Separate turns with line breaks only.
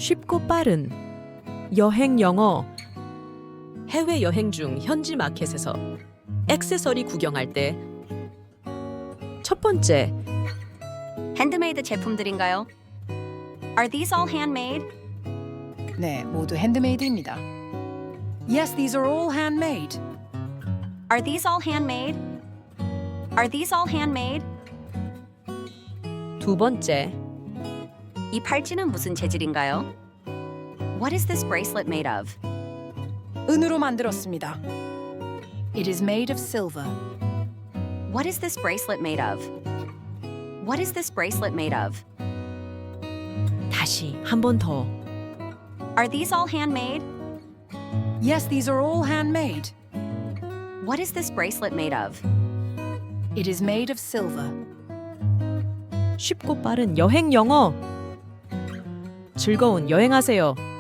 쉽고 빠른 여행 영어. 해외 여행 중 현지 마켓에서 액세서리 구경할 때 첫 번째,
핸드메이드 제품들인가요? Are these all handmade?
네, 모두 핸드메이드입니다. Yes, these are all handmade.
Are these all handmade? Are these all handmade?
두 번째,
이 팔찌는 무슨 재질인가요? What is this bracelet made of?
은으로 만들었습니다. It is made of silver.
What is this bracelet made of? What is this bracelet made of?
다시 한 번 더.
Are these all handmade?
Yes, these are all handmade.
What is this bracelet made of?
It is made of silver.
쉽고 빠른 여행 영어. 즐거운 여행하세요.